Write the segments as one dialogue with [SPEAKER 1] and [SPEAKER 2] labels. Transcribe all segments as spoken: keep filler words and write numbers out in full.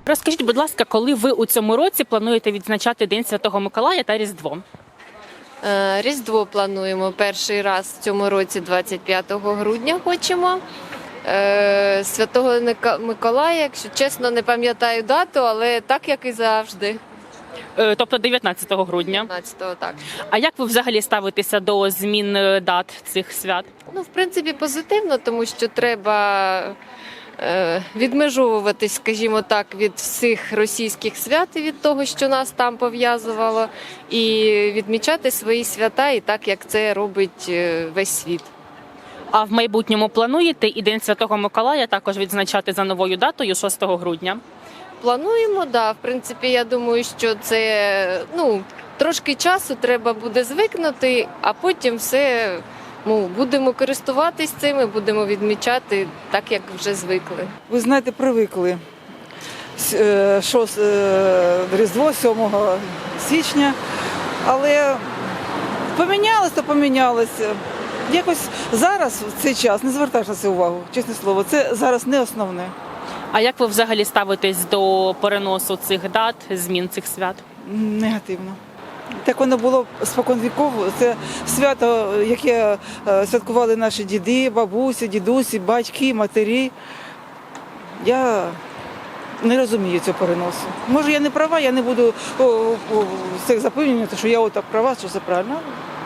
[SPEAKER 1] Розкажіть, будь ласка, коли ви у цьому році плануєте відзначати День Святого Миколая та Різдво?
[SPEAKER 2] Е, Різдво плануємо перший раз в цьому році, двадцять п'ятого грудня хочемо. Е, Святого Ника- Миколая, якщо чесно, не пам'ятаю дату, але так, як і завжди.
[SPEAKER 1] Е, Тобто дев'ятнадцятого грудня.
[SPEAKER 2] п'ятнадцятого, так.
[SPEAKER 1] А як ви взагалі ставитеся до змін е, дат цих свят?
[SPEAKER 2] Ну, в принципі, позитивно, тому що треба е, відмежовуватись, скажімо так, від всіх російських свят і від того, що нас там пов'язувало, і відмічати свої свята і так, як це робить е, весь світ.
[SPEAKER 1] А в майбутньому плануєте і День Святого Миколая також відзначати за новою датою шостого грудня?
[SPEAKER 2] Плануємо, да. В принципі, я думаю, що це ну, трошки часу треба буде звикнути, а потім все ну, будемо користуватись цим і будемо відмічати так, як вже звикли.
[SPEAKER 3] Ви знаєте, привикли. С- е, шос- е, Різдво сьомого січня, але помінялось, то помінялося. Якось зараз, в цей час, не звертаєш на це увагу, чесне слово, це зараз не основне.
[SPEAKER 1] А як ви взагалі ставитесь до переносу цих дат, змін цих свят?
[SPEAKER 3] Негативно. Так воно було спокон віков. Це свято, яке е, святкували наші діди, бабусі, дідусі, батьки, матері. Я не розумію цього переносу. Може, я не права, я не буду о, о, всіх запевнювати, що я отак права, що це правильно.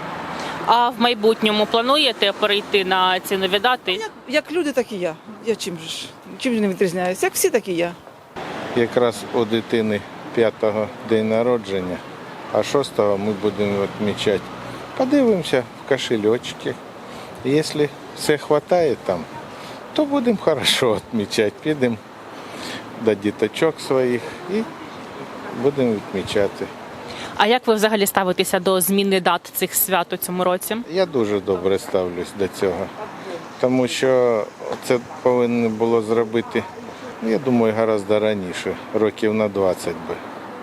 [SPEAKER 1] А в майбутньому плануєте перейти на ці нові дати?
[SPEAKER 3] Як, як люди, так і я. Я чим ж чим ж не відрізняюся? Як всі, так і я.
[SPEAKER 4] Якраз у дитини п'ятого день народження, а шостого ми будемо відмічати. Подивимося в кошельочки. Якщо все вистачає там, то будемо хорошо відмічати. Підемо до діточок своїх і будемо відмічати.
[SPEAKER 1] А як ви взагалі ставитеся до зміни дат цих свят у цьому році?
[SPEAKER 4] Я дуже добре ставлюсь до цього, тому що це повинно було зробити, я думаю, гораздо раніше, років на двадцять би.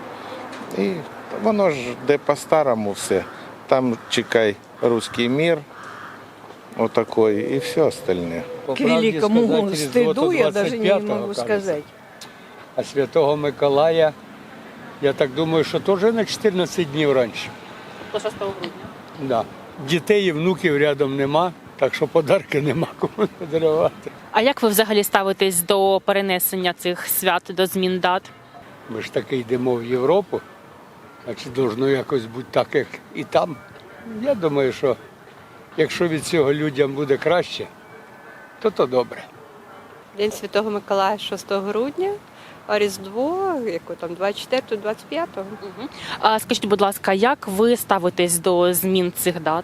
[SPEAKER 4] І воно ж де по-старому все. Там чекай русський мір, отакий, і все остальне.
[SPEAKER 5] По
[SPEAKER 6] К
[SPEAKER 5] правді
[SPEAKER 6] великому
[SPEAKER 5] сказати, Різдво то
[SPEAKER 6] стыду я даже не
[SPEAKER 5] двадцять п'ятого,
[SPEAKER 6] могу
[SPEAKER 5] кажется.
[SPEAKER 6] сказать.
[SPEAKER 5] А Святого Миколая, я так думаю, що теж на чотирнадцять днів раніше.
[SPEAKER 1] До шостого грудня.
[SPEAKER 5] Да. Дітей і внуків рядом нема, так що подарки нема кому подарувати.
[SPEAKER 1] А як ви взагалі ставитесь до перенесення цих свят, до змін дат?
[SPEAKER 5] Ми ж таки йдемо в Європу, значить, должно якось бути так, як і там. Я думаю, що якщо від цього людям буде краще, то то добре.
[SPEAKER 7] День Святого Миколая шостого грудня, а Різдво, яко там двадцять четвертого двадцять п'ятого.
[SPEAKER 1] А скажіть, будь ласка, як ви ставитесь до змін цих дат?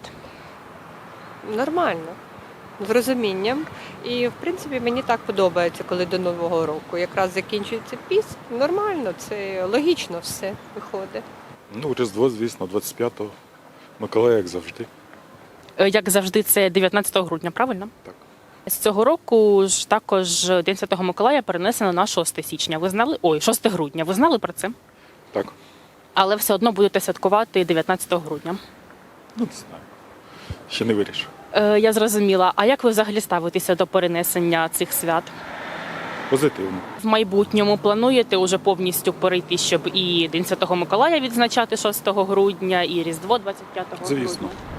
[SPEAKER 7] Нормально, з розумінням. І, в принципі, мені так подобається, коли до Нового року. Якраз закінчується піст, нормально, це логічно все виходить.
[SPEAKER 8] Ну, Різдво, звісно, двадцять п'ятого. Миколая, як завжди.
[SPEAKER 1] Е, Як завжди, це дев'ятнадцятого грудня, правильно?
[SPEAKER 8] Так.
[SPEAKER 1] З цього року ж також День Святого Миколая перенесено на шосте січня. Ви знали? Ой, шосте грудня. Ви знали про це?
[SPEAKER 8] Так.
[SPEAKER 1] Але все одно будете святкувати дев'ятнадцятого грудня.
[SPEAKER 8] Ну, не знаю. Ще не вирішив.
[SPEAKER 1] Е, Я зрозуміла. А як ви взагалі ставитеся до перенесення цих свят?
[SPEAKER 8] Позитивно.
[SPEAKER 1] В майбутньому плануєте уже повністю перейти, щоб і День Святого Миколая відзначати шостого грудня, і Різдво двадцять п'ятого
[SPEAKER 8] Звісно.
[SPEAKER 1] грудня?